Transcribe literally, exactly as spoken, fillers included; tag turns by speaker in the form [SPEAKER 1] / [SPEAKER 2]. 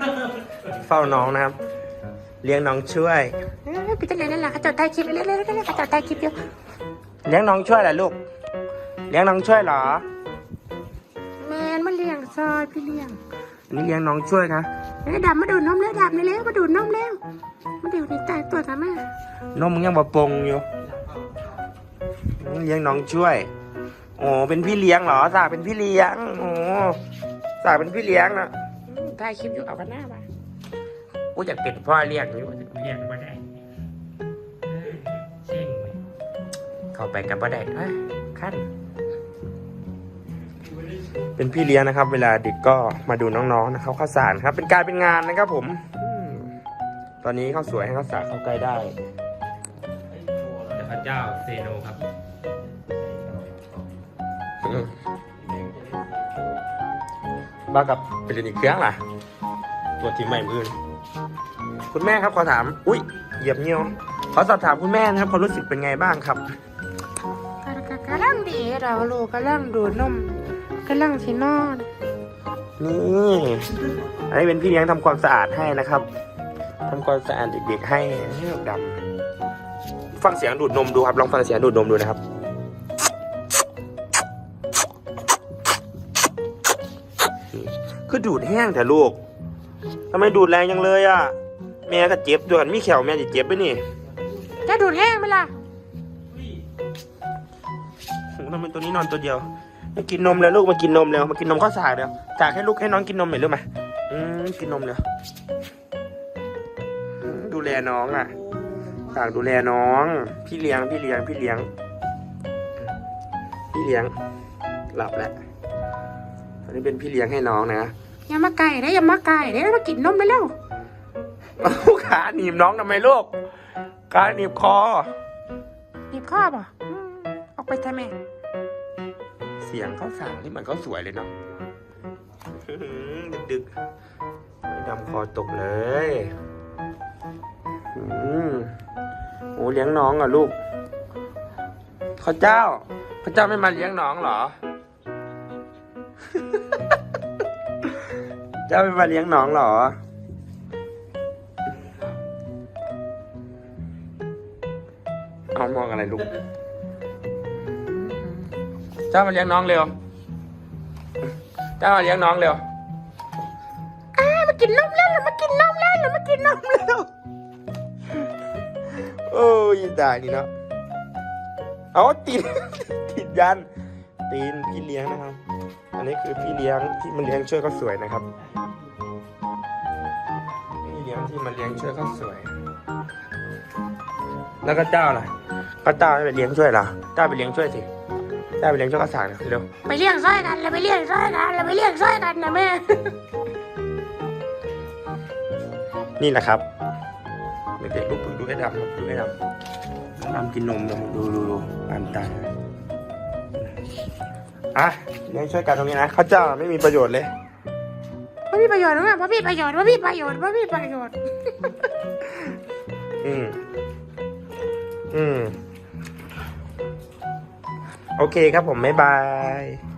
[SPEAKER 1] เฝ้าน้องนะครับเลี้ยงน้องช่วยพี่จะเลี้ยงนั่นแหละเขาจดใต้คลิปเลี้ยงเลี้ยงเลี้ยงเขาจดใต้คลิปอยู่เลี้ยงน้องช่วยเหรอลูกเลี้ยงน้องช่วยเหรอแมนมาเลี้ยงซอยพี่เลี้ยงอันนี้เลี้ยงน้องช่วยนะไอ้ดำมาดูดนมแล้วดำนี่แล้วมาดูดนมแล้วมาดูนี่ตายตัวทำไมนมมึงยังบ่ปงอยู่เลี้ยงน้องช่วยโอ้เป็นพี่เลี้ยงเหรอสาเป็นพี่เลี้ยงโอ้สาเป็นพี่เลี้ยงนะถ่ายคลิปอยู่เอากันหน้ามากูอยากเป็นพ่อเลี้ยงอยู่เลี้ยงมาได้เช่งเข้าไปกับบ่ได้ฮะขั้นเป็นพี่เลี้ยงนะครับเวลาเด็กก็มาดูน้องๆนะครับข้าวสารครับเป็นการเป็นงานนะครับผมตอนนี้ข้าวสวยให้ข้าวสารเข้าใกล้ได้พระเจ้าเซโนครับบ้ากับเป็นอีกเครื่องล่ะตัวทีมใหม่มือคุณแม่ครับขอถามอุ้ยเหยียบเงี้ยวขอสอบถามคุณแม่นะครับความรู้สึกเป็นไงบ้างครับกำลังดีเราลูกกำลังดูดนมกำลังที่นอนนี่อันนี้เป็นพี่เลี้ยงทำความสะอาดให้นะครับทำความสะอาดเด็กๆให้ให้ดำฟังเสียงดูดนมดูครับลองฟังเสียงดูดนมดูนะครับคือดูดแห้งแต่ลูกทำไมดูดแรงจังเลยอ่ะแม่ก็เจ็บด้วยกันมีแขวแม่จะเจ็บไปนี่จะดูดแห้งไหมล่ะทำไมตัวนี้นอนตัวเดียวมากินนมแล้วลูกมากินนมแล้วมากินนมข้าวสารเดี๋ยวจากให้ลูกให้น้องกินนมหน่อยรู้ไหมอืมกินนมเลยดูแลน้องอ่ะฝากดูแลน้องพี่เลี้ยงพี่เลี้ยงพี่เลี้ยงพี่เลี้ยงหลับแล้วอันนี้เป็นพี่เลี้ยงให้น้องนะอย่ามาไก่นะอย่ามาไก่เดี๋ยวมากินนมไปแล้วขาหนีบน้องทำไมลูกขาหนีบคอหนีบคอป่ะออกไปทำไมเสียงเขาสั่งที่มันเขาสวยเลยเนาะดึกๆไม่ดำคอตกเลยโอ้เลี้ยงน้องอ่ะลูกข้าเจ้าข้าเจ้าไม่มาเลี้ยงน้องเหรอเจ้าไม่มาเลี้ยงน้องเหรอเอามองอะไรลูกเจ้ามาเลี้ยงน้องเร็วเจ้ามาเลี้ยงน้องเร็วอ้ามากินนมแล้วเรามากินนมแล้วเรามากินนมแล้วโอ้ยตายนี่เนาะเอาตีนติดยันตีนพี่เลี้ยงนะครับอันนี้คือพี่เลี้ยงที่มาเลี้ยงช่วยเขาสวยนะครับพี่เลี้ยงที่มาเลี้ยงช่วยเขาสวยแล้วก็เจ้าล่ะก็เจ้าไปเลี้ยงช่วยเหรอเจ้าไปเลี้ยงช่วยสิเจ้าไปเลี้ยงช่วยข้าวสารเร็วไปเลี้ยงช่วยกันเราไปเลี้ยงช่วยกันเราไปเลี้ยงช่วยกันนะแม่นี่แหละครับเด็กๆลูกดูให้ดำดูให้ดำดำกินนมดูดูดูดูอ่านตาอ่ะเลี้ยงช่วยกันตรงนี้นะข้าวเจ้าไม่มีประโยชน์เลยไม่มีประโยชน์นะพ่อพี่ประโยชน์พ่อพี่ประโยชน์พ่อพี่ประโยชน์อืมอืมโอเคครับผมบ๊ายบาย